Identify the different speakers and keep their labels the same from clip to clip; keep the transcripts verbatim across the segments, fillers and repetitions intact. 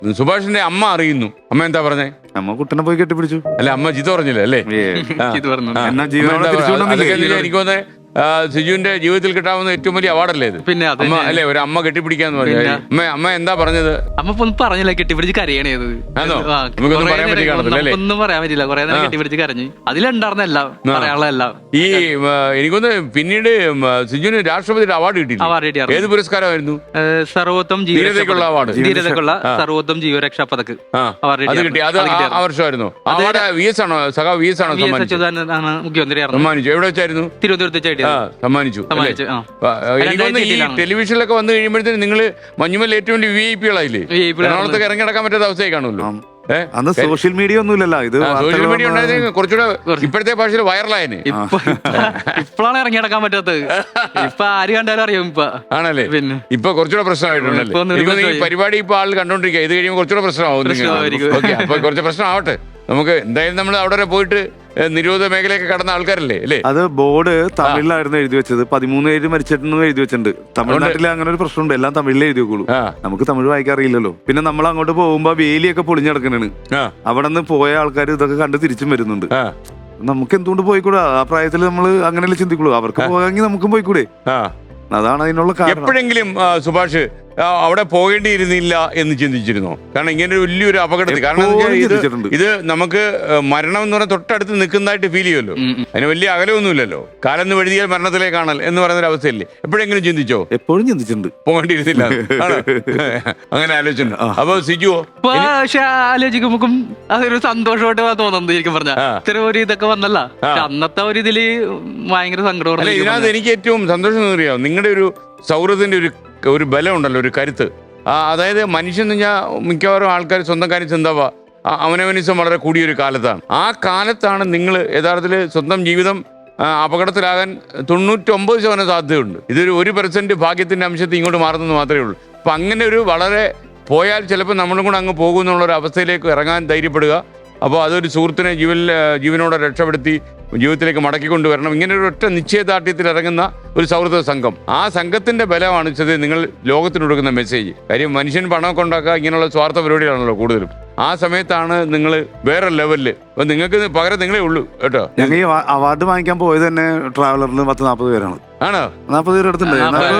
Speaker 1: സുഭാഷിന്റെ അമ്മ അറിയുന്നു. അമ്മ എന്താ പറഞ്ഞേ?
Speaker 2: അമ്മ കുട്ടനെ പോയി കെട്ടിപ്പിടിച്ചു.
Speaker 1: അല്ല, അമ്മ ജിത പറഞ്ഞില്ല അല്ലേ? എനിക്ക് തോന്നുന്നത് സിജുവിന്റെ ജീവിതത്തിൽ കിട്ടാവുന്ന ഏറ്റവും വലിയ അവാർഡല്ലേ ഇത്?
Speaker 3: പിന്നെ
Speaker 1: അമ്മ അല്ലേ, ഒരു അമ്മ കെട്ടിപ്പിടിക്കാന്ന് പറഞ്ഞാൽ. അമ്മ അമ്മ എന്താ പറഞ്ഞത്?
Speaker 3: അമ്മ ഒന്നും പറഞ്ഞില്ല, കെട്ടിപ്പിടിച്ച് കരയണേത്. ഒന്നും പറയാൻ പറ്റില്ല, കുറെ നേരം കെട്ടിപ്പിടിച്ച് കരഞ്ഞു. അതിലുണ്ടായിരുന്ന എല്ലാം പറയാനുള്ള എല്ലാം. ഈ
Speaker 1: എനിക്കൊന്ന് പിന്നീട് സിജുവിന് രാഷ്ട്രപതിയുടെ അവാർഡ് കിട്ടിയില്ല.
Speaker 3: അവാർഡ് കിട്ടിയ
Speaker 1: ഏത് പുരസ്കാരമായിരുന്നു?
Speaker 3: സർവോത്തം
Speaker 1: ധീരതയ്ക്കുള്ള അവാർഡ്.
Speaker 3: ധീരതയ്ക്കുള്ള സർവോത്തം ജീവരക്ഷാ പതക്
Speaker 1: അത് കിട്ടി. അത് ആ വർഷമായിരുന്നു. അവാർഡ് വി എസ് ആണോ, സഖാ വി എസ് ആണോ
Speaker 3: മുഖ്യമന്ത്രി
Speaker 1: സമ്മാനിച്ചു? എവിടെ വെച്ചായിരുന്നു?
Speaker 3: തിരുവനന്തപുരത്ത്
Speaker 1: സമ്മാനിച്ചു. എനിക്കൊന്ന് ഈ ടെലിവിഷനിലൊക്കെ വന്നു കഴിയുമ്പോഴത്തേന് നിങ്ങള് മഞ്ഞുമൽ ഏറ്റവും വലിയ വി ഐ പികളായില്ലേ? എറണാകുളത്തൊക്കെ ഇറങ്ങി നടക്കാൻ പറ്റാത്ത അവസ്ഥയായി കാണുമല്ലോ.
Speaker 2: അന്ന് സോഷ്യൽ മീഡിയ ഒന്നുമില്ലല്ലോ. ഇത്
Speaker 1: സോഷ്യൽ മീഡിയ ഉണ്ടായത് കുറച്ചുകൂടെ ഇപ്പോഴത്തെ ഭാഷയിൽ വൈറലായനെ.
Speaker 3: ഇപ്പോഴാണ് ഇറങ്ങി നടക്കാൻ പറ്റാത്തത്. ഇപ്പൊ ആര് കണ്ടാലും അറിയാം ഇപ്പൊ.
Speaker 1: ആണല്ലേ? പിന്നെ ഇപ്പൊ കുറച്ചുകൂടെ പ്രശ്നമായിട്ടുണ്ടല്ലേ? ഈ പരിപാടി ഇപ്പൊ ആൾ കണ്ടോണ്ടിരിക്കുക. ഇത് കഴിയുമ്പോൾ കുറച്ചുകൂടെ പ്രശ്നമാവും. ഓക്കെ, അപ്പൊ കുറച്ച് പ്രശ്നം ആവട്ടെ. നമുക്ക് എന്തായാലും നമ്മൾ അവിടെ വരെ പോയിട്ട് നിരോധ മേഖലയൊക്കെ കടന്ന ആൾക്കാരല്ലേ അല്ലേ?
Speaker 2: അത് ബോർഡ് തമിഴിലായിരുന്നു എഴുതി വെച്ചത്. പതിമൂന്ന് പേര് മരിച്ചിട്ടുണ്ടെന്ന് എഴുതി വെച്ചിട്ടുണ്ട്. തമിഴ്നാട്ടിൽ അങ്ങനെ ഒരു പ്രശ്നമുണ്ട്, എല്ലാം തമിഴിലേ എഴുതി വെക്കുള്ളൂ. നമുക്ക് തമിഴ് വായിക്കാൻ അറിയില്ലല്ലോ. പിന്നെ നമ്മൾ അങ്ങോട്ട് പോകുമ്പോ വേലിയൊക്കെ പൊളിഞ്ഞടക്കണാണ്. അവിടെ നിന്ന് പോയ ആൾക്കാർ ഇതൊക്കെ കണ്ട് തിരിച്ചും വരുന്നുണ്ട്. നമുക്ക് എന്തുകൊണ്ട് പോയിക്കൂടാ? ആ പ്രായത്തിൽ നമ്മൾ അങ്ങനെയല്ലേ ചിന്തിക്കുള്ളൂ. അവർക്ക് പോകാമെങ്കിൽ നമുക്കും പോയിക്കൂടെ? അതാണ് അതിനുള്ള കാരണം.
Speaker 1: എപ്പോഴെങ്കിലും സുഭാഷ് അവിടെ പോകേണ്ടിയിരുന്നില്ല എന്ന് ചിന്തിച്ചിരുന്നോ? കാരണം ഇങ്ങനെ ഒരു വലിയൊരു അപകടത്തിൽ, കാരണം ഇത് നമുക്ക് മരണം എന്ന് പറഞ്ഞാൽ തൊട്ടടുത്ത് നിൽക്കുന്നതായിട്ട് ഫീൽ ചെയ്യുമല്ലോ. അതിന് വലിയ അകലമൊന്നുമില്ലല്ലോ. കാലെന്ന് വഴുതിയാൽ മരണത്തിലേക്കാണൽ എന്ന് പറയുന്ന ഒരു അവസ്ഥയല്ലേ? എപ്പോഴെങ്കിലും ചിന്തിച്ചോ?
Speaker 2: എപ്പോഴും ചിന്തിച്ചിട്ടുണ്ട്.
Speaker 1: പോകേണ്ടിയിരുന്നില്ല അങ്ങനെ ആലോചിച്ചിട്ടുണ്ട്. അപ്പൊ സിജുവോ?
Speaker 3: പക്ഷെ ആലോചിക്കുമ്പോ അതൊരു സന്തോഷമായിട്ട് തോന്നുന്നത്. ശരിക്കും പറഞ്ഞാൽ ഇത്ര ഒരു ഇതൊക്കെ വന്നല്ല, അന്നത്തെ ഒരു ഇതില് ഭയങ്കര സങ്കടം.
Speaker 1: ഇതിനകത്ത് എനിക്ക് ഏറ്റവും സന്തോഷം അറിയാം, നിങ്ങളുടെ ഒരു സൗഹൃദത്തിന്റെ ഒരു ഒരു ബലം ഉണ്ടല്ലോ, ഒരു കരുത്ത്. അതായത് മനുഷ്യൻ എന്ന് പറഞ്ഞാൽ മിക്കവാറും ആൾക്കാർ സ്വന്തം കാര്യം ചിന്താവാ അവനവനിസം വളരെ കൂടിയൊരു കാലത്താണ്. ആ കാലത്താണ് നിങ്ങൾ യഥാർത്ഥത്തിൽ സ്വന്തം ജീവിതം അപകടത്തിലാകാൻ തൊണ്ണൂറ്റൊമ്പത് ശതമാനം സാധ്യതയുണ്ട്. ഇതൊരു ഒരു പെർസെന്റ് ഭാഗ്യത്തിന്റെ അംശത്തിൽ ഇങ്ങോട്ട് മാറുന്നത് മാത്രമേ ഉള്ളൂ. അപ്പം അങ്ങനെ ഒരു വളരെ പോയാൽ ചിലപ്പോൾ നമ്മളും കൂടെ അങ്ങ് പോകുമെന്നുള്ളൊരു അവസ്ഥയിലേക്ക് ഇറങ്ങാൻ ധൈര്യപ്പെടുക. അപ്പോൾ അതൊരു സുഹൃത്തിനെ ജീവൻ ജീവനോടെ രക്ഷപ്പെടുത്തി ജീവിതത്തിലേക്ക് മടക്കിക്കൊണ്ടുവരണം. ഇങ്ങനെ ഒരു ഒറ്റ നിശ്ചയദാർഢ്യത്തിൽ ഇറങ്ങുന്ന ഒരു സൗഹൃദ സംഘം, ആ സംഘത്തിന്റെ ബലമാണ് വെച്ചത് നിങ്ങൾ ലോകത്തിന് കൊടുക്കുന്ന മെസ്സേജ്. കാര്യം മനുഷ്യൻ പണമൊക്കെ ഉണ്ടാക്കുക ഇങ്ങനെയുള്ള സ്വാർത്ഥ പരിപാടികളാണല്ലോ കൂടുതലും. ആ സമയത്താണ് നിങ്ങൾ വേറെ ലെവലില്. അപ്പൊ നിങ്ങൾക്ക് പകരം നിങ്ങളേ ഉള്ളൂ കേട്ടോ.
Speaker 2: ഞങ്ങൾ ഈ അവാർഡ് വാങ്ങിക്കാൻ പോയത് തന്നെ ട്രാവലറിൽ പത്ത് നാൽപ്പത് പേരാണ്.
Speaker 1: ആണോ?
Speaker 2: നാൽപ്പത് പേര് അടുത്തുണ്ട്.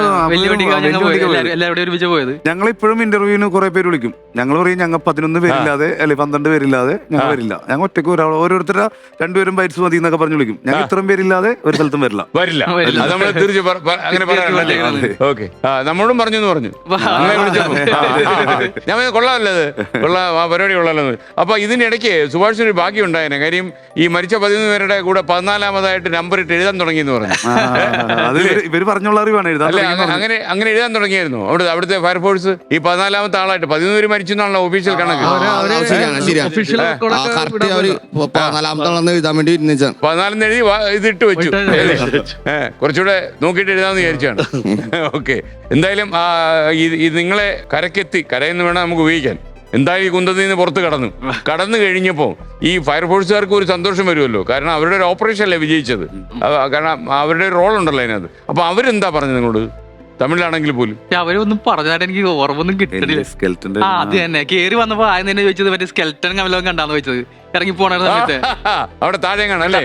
Speaker 2: ഞങ്ങൾ ഇപ്പോഴും ഇന്റർവ്യൂവിന് കുറെ പേര് വിളിക്കും. ഞങ്ങൾ പറയും ഞങ്ങൾ പതിനൊന്ന് പേരില്ലാതെ അല്ലെ പന്ത്രണ്ട് പേരില്ലാതെ ഞങ്ങൾ വരില്ല. ഞങ്ങൾ ഒറ്റയ്ക്ക് ഒരാൾ ഓരോരുത്തരുടെ രണ്ടുപേരും ബൈറ്റ്സ് മതി എന്നൊക്കെ പറഞ്ഞു വിളിക്കും. ഞങ്ങൾ ഇത്രയും പേരില്ലാതെ ഒരു സ്ഥലത്തും വരില്ല
Speaker 1: വരില്ല അങ്ങനെ പറയാനല്ലേ? ഓക്കെ, നമ്മളോടും പറഞ്ഞു എന്ന് പറഞ്ഞു. ഞാൻ കൊള്ളാമല്ലത്, കൊള്ളാം, ആ പരിപാടി കൊള്ളാമല്ലോ. അപ്പൊ ഇതിനിടയ്ക്ക് സുഭാഷിന് ഒരു ഭാഗ്യം ഉണ്ടായേനെ. കാര്യം ഈ മരിച്ച പതിനൊന്ന് പേരുടെ കൂടെ പതിനാലാമതായിട്ട് നമ്പർ ഇട്ട് എഴുതാൻ തുടങ്ങി എന്ന് പറഞ്ഞു.
Speaker 2: ഇവര് പറഞ്ഞുള്ള അറിവാണ് എഴുതാൻ.
Speaker 1: അങ്ങനെ അങ്ങനെ എഴുതാൻ തുടങ്ങിയായിരുന്നു അവിടെ അവിടുത്തെ ഫയർഫോഴ്സ്. ഈ പതിനാലാമത്തെ ആളായിട്ട് പതിനൊന്ന് പേര് മരിച്ചു എന്നാണല്ലോ ഒഫീഷ്യൽ കണക്ക്. പതിനാലെന്ന് എഴുതി ഇതിട്ട് വെച്ചു. കുറച്ചുകൂടെ നോക്കിയിട്ട് എഴുതാന്ന് വിചാരിച്ചാണ്. ഓക്കെ, എന്തായാലും ഇത് നിങ്ങളെ കരക്കെത്തി, കരയെന്ന് വേണം നമുക്ക് ഉപയോഗിക്കാൻ. എന്തായാലും ഈ കുന്തത്തിൽ നിന്ന് പുറത്ത് കടന്നു കടന്നു കഴിഞ്ഞപ്പോൾ ഈ ഫയർഫോഴ്സുകാർക്ക് ഒരു സന്തോഷം വരുമല്ലോ. കാരണം അവരുടെ ഒരു ഓപ്പറേഷൻ അല്ലേ വിജയിച്ചത്. കാരണം അവരുടെ റോൾ ഉണ്ടല്ലോ അതിനകത്ത്. അപ്പൊ അവരെന്താ പറഞ്ഞത് നിങ്ങളോട്? തമിഴിലാണെങ്കിൽ പോലും
Speaker 3: അവരൊന്നും പറഞ്ഞാൽ എനിക്ക് ഓർമ്മൊന്നും കിട്ടണില്ല. ആ അത് തന്നെ കേറി വന്നപ്പോ ആദ്യം തന്നെ ചോദിച്ചത് മറ്റേ സ്കെൽറ്റൻ കമലം കണ്ടാന്ന് ചോദിച്ചത്. ഇറങ്ങി പോണ സമയത്ത് അവിടെ താഴെ കാണല്ലേ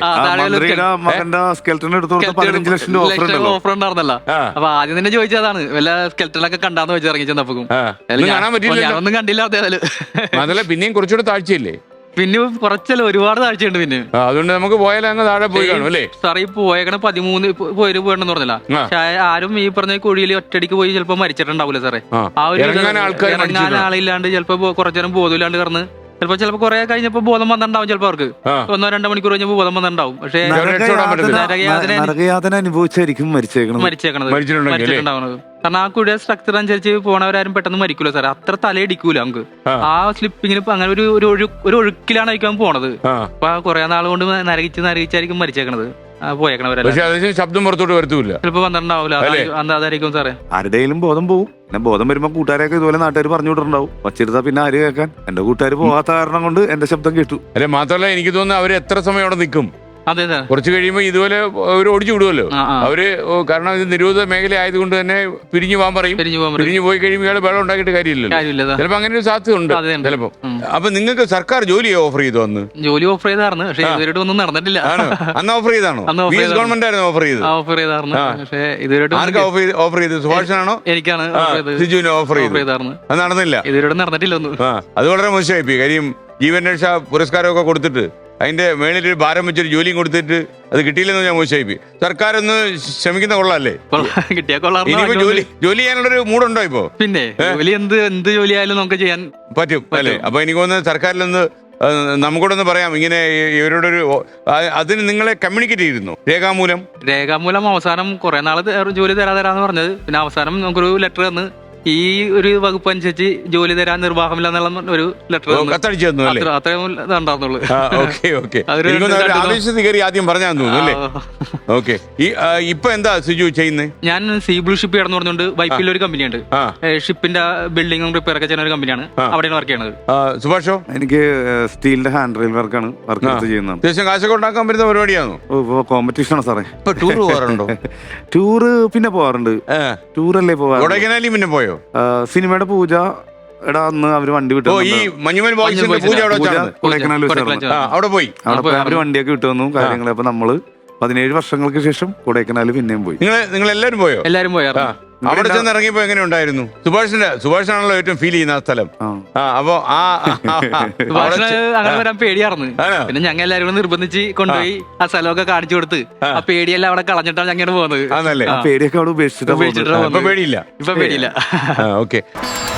Speaker 3: ഓഫർ ഉണ്ടായിരുന്നല്ലോ. അപ്പൊ ആദ്യം തന്നെ ചോദിച്ചതാണ് വല്ല സ്കെൽറ്റനൊക്കെ കണ്ടാന്ന് വെച്ച് ഇറങ്ങി ചെന്നപ്പോ ഞാനൊന്നും കണ്ടില്ല.
Speaker 1: അതല്ല, പിന്നെയും കുറച്ചുകൂടെ താഴ്ചയില്ലേ?
Speaker 3: പിന്നെ കുറച്ചല്ല, ഒരുപാട് താഴ്ചയുണ്ട്. പിന്നെ
Speaker 1: അതുകൊണ്ട് നമുക്ക് പോയാലും അങ്ങ് താഴെ പോയി കാണും അല്ലേ?
Speaker 3: സാറേ ഈ പോയേക്കണ പതിമൂന്ന് പേര് പോയെന്ന് പറഞ്ഞില്ല. പക്ഷെ ആരും ഈ പറഞ്ഞ കുഴിയിൽ ഒറ്റടിക്ക് പോയി ചിലപ്പോ മരിച്ചിട്ടുണ്ടാവില്ല സാറേ. ആ ഒരു ഇറങ്ങാൻ ആളില്ലാണ്ട് ചിലപ്പോ കുറച്ചേരം ബോധമില്ലാണ്ട് കിടന്ന് ചിലപ്പോ ചിലപ്പോ കുറെ കഴിഞ്ഞപ്പോ ബോധം വന്നിട്ടുണ്ടാവും. ചിലപ്പോ അവർക്ക് ഒന്നോ രണ്ടോ മണിക്കൂർ കഴിഞ്ഞപ്പോ ബോധം വന്നിട്ടുണ്ടാവും. പക്ഷേ
Speaker 2: അനുഭവിച്ചായിരിക്കും മരിച്ചേക്കണത്
Speaker 3: മരിച്ചിട്ടുണ്ടാവുന്നത്. കാരണം ആ കുഴിയുടെ സ്ട്രക്ചർ അനുസരിച്ച് പോണവരാരും പെട്ടെന്ന് മരിക്കൂല സാറേ. അത്ര തലയിടിക്കൂല നമുക്ക്. ആ സ്ലിപ്പിങ്ങിന് അങ്ങനെ ഒരു ഒരു ഒഴുക്കിലാണ് ആയിരിക്കും പോണത്. അപ്പൊ കുറെ നാൾ കൊണ്ട് നരകിച്ച് നരകിച്ചായിരിക്കും മരിച്ചേക്കണത് പോയേക്കണവരല്ല.
Speaker 1: ശബ്ദം പുറത്തോട്ട് വരത്തൂല്ല,
Speaker 3: ചിലപ്പോ വന്നിട്ടുണ്ടാവില്ല. അതായിരിക്കും സാറേ.
Speaker 2: ആരുടെയും ബോധം പോവും. പിന്നെ ബോധം വരുമ്പോ കൂട്ടുകാരൊക്കെ ഇതുപോലെ നാട്ടുകാർ പറഞ്ഞു വിട്ടിട്ടുണ്ടാവും. വച്ചിരുത്താ പിന്നെ ആര് കേൾക്കാൻ? എന്റെ കൂട്ടുകാർ പോകാത്ത കാരണം കൊണ്ട് എന്റെ ശബ്ദം കേട്ടു.
Speaker 1: അല്ലെ മാത്രമല്ല, എനിക്ക് തോന്നുന്നു അവര് എത്ര സമയം അവിടെ നിൽക്കും.
Speaker 3: അതെ സാർ.
Speaker 1: കുറച്ച് കഴിയുമ്പോൾ ഇതുപോലെ അവർ ഓടിച്ചു വിടുമല്ലോ അവര്. കാരണം ഇത് നിരോധിത മേഖല ആയതുകൊണ്ട് തന്നെ പിരിഞ്ഞു പോകാൻ പറയും. പിരിഞ്ഞു പോയി കഴിയുമ്പോൾ ഇയാൾ വെള്ളം ഉണ്ടാക്കിയിട്ട് കാര്യമില്ലല്ലോ. ചിലപ്പോൾ അങ്ങനെ ഒരു സാധ്യത ഉണ്ട് ചിലപ്പോൾ. അപ്പൊ നിങ്ങൾക്ക് സർക്കാർ ജോലി ഓഫർ ചെയ്തു അന്ന്?
Speaker 3: ജോലി ഓഫർ ചെയ്തായിരുന്നു, പക്ഷേ ഇതുവരെയായിട്ട് ഒന്നും നടന്നിട്ടില്ല.
Speaker 1: അന്ന് ഓഫർ ചെയ്താണോ? ഗവൺമെന്റ് ആയിരുന്നു ഓഫർ ചെയ്തത്.
Speaker 3: ഓഫർ ചെയ്തായിരുന്നു, പക്ഷേ ഇതുവരെയായിട്ട്
Speaker 1: ആർക്കാ ഓഫർ ചെയ്തത്? സുഭാഷാണോ?
Speaker 3: എനിക്കാണ്
Speaker 1: സിജുവിന് ഓഫർ ചെയ്തായിരുന്നു. അത് നടന്നില്ല,
Speaker 3: ഇതുവരെ നടന്നിട്ടില്ല ഒന്നും.
Speaker 1: അത് വളരെ മോശമായി പോയി. കാര്യം ജീവൻ രക്ഷാ പുരസ്കാരമൊക്കെ കൊടുത്തിട്ട് അതിന്റെ മേളിലൊരു ഭാരം വെച്ചൊരു ജോലിയും കൊടുത്തിട്ട് അത് കിട്ടിയില്ലെന്ന് ഞാൻ മോശമായി. സർക്കാർ ഒന്ന് ശ്രമിക്കുന്ന കൊള്ളാല്ലേ?
Speaker 3: കിട്ടിയാ കൊള്ളാം.
Speaker 1: ഇനിയിപ്പോ ജോലി ജോലി ചെയ്യാനുള്ളൊരു മൂടുണ്ടോ ഇപ്പോ?
Speaker 3: പിന്നെ ജോലി എന്ത് എന്ത് ജോലി ആയാലും നമുക്ക് ചെയ്യാൻ
Speaker 1: പറ്റും അല്ലേ? അപ്പൊ എനിക്ക് തോന്നുന്നത് സർക്കാരിലൊന്ന് നമുക്കൂടൊന്ന് പറയാം, ഇങ്ങനെ ഇവരോടൊരു അതിന് നിങ്ങളെ കമ്മ്യൂണിക്കേറ്റ് ചെയ്തിരുന്നു രേഖാമൂലം?
Speaker 3: രേഖാമൂലം അവസാനം കുറെ നാള് ജോലി തരാ തരാന്ന് പറഞ്ഞത്. പിന്നെ അവസാനം നമുക്കൊരു ലെറ്റർ തന്ന് ഈ ഒരു വകുപ്പ് അനുസരിച്ച് ജോലി തരാൻ നിർവാഹമില്ല എന്നുള്ള ഒരു ലെറ്റർ
Speaker 1: കത്തടിച്ചു തന്നു അല്ലേ?
Speaker 3: അത്രയും ഉണ്ടായിരുന്നുള്ളൂ.
Speaker 1: ആവേശത്തിൽ കയറി ആദ്യം പറഞ്ഞാൽ തോന്നുന്നു അല്ലേ? ഓക്കെ. ഇപ്പൊ എന്താ സിജു ചെയ്യുന്നത്?
Speaker 3: ഞാൻ സീബ്ലൂ ഷിപ്പ് ചെയ്യണമെന്ന് പറഞ്ഞുകൊണ്ട് വൈപ്പിൽ ഒരു കമ്പനിയുണ്ട്, ഷിപ്പിന്റെ ബിൽഡിംഗും റിപ്പയർ ഒക്കെ ചെയ്യുന്ന ഒരു കമ്പനിയാണ്, അവിടെയാണ് വർക്ക് ചെയ്യണത്.
Speaker 2: സുഭാഷോ? എനിക്ക് സ്റ്റീലിന്റെ ഹാൻഡ് റെയിൽ വർക്കാണ് വർക്ക് ചെയ്യുന്നത്.
Speaker 1: അത്യാവശ്യം കാശൊക്കെ ഉണ്ടാക്കാൻ പറ്റുന്ന പരിപാടിയാണോ?
Speaker 2: കോമ്പറ്റീഷൻ ആണ് സാറേ.
Speaker 1: ടൂർ പോകാറുണ്ടോ?
Speaker 2: ടൂറ് പിന്നെ പോവാറുണ്ട്. ടൂറല്ലേ പോവാ?
Speaker 1: കൊടൈക്കനാലിൽ പിന്നെ പോയോ?
Speaker 2: സിനിമയുടെ പൂജ എടാ അന്ന് അവര് വണ്ടി വിട്ടു.
Speaker 1: ഈ മഞ്ഞുമൽ ബോയ്സിന്റെ പൂജ
Speaker 2: കൊടൈക്കനാൽ
Speaker 1: അവിടെ പോയി.
Speaker 2: അവിടെ അവര് വണ്ടിയൊക്കെ വിട്ടു വന്നു കാര്യങ്ങൾ. അപ്പൊ നമ്മള് പതിനേഴ് വർഷങ്ങൾക്ക് ശേഷം കൊടൈക്കനാൽ പിന്നെയും പോയി.
Speaker 1: നിങ്ങൾ നിങ്ങൾ എല്ലാരും പോയോ?
Speaker 3: എല്ലാരും പോയാ.
Speaker 1: അവിടെ ചെന്ന് ഇറങ്ങിയപ്പോ എങ്ങനെ ഉണ്ടായിരുന്നു? സുഭാഷിന്റെ സുഭാഷാണല്ലോ ഏറ്റവും ഫീൽ ചെയ്യുന്ന ആ സ്ഥലം. അപ്പൊ ആ
Speaker 3: അങ്ങനെ വരാൻ പേടിയായിരുന്നു. പിന്നെ ഞങ്ങൾ എല്ലാരും കൂടെ നിർബന്ധിച്ച് കൊണ്ടുപോയി ആ സ്ഥലമൊക്കെ കാണിച്ചു കൊടുത്ത് ആ പേടിയെല്ലാം അവിടെ കളഞ്ഞിട്ടാണ് ഞങ്ങൾ പോകുന്നത്.
Speaker 1: ആണല്ലേ?
Speaker 2: പേടിയൊക്കെ അവിടെ ഉപേക്ഷിച്ചിട്ട്
Speaker 1: പേടിയില്ല.
Speaker 3: ഇപ്പൊ പേടിയില്ല.
Speaker 1: ഓക്കെ.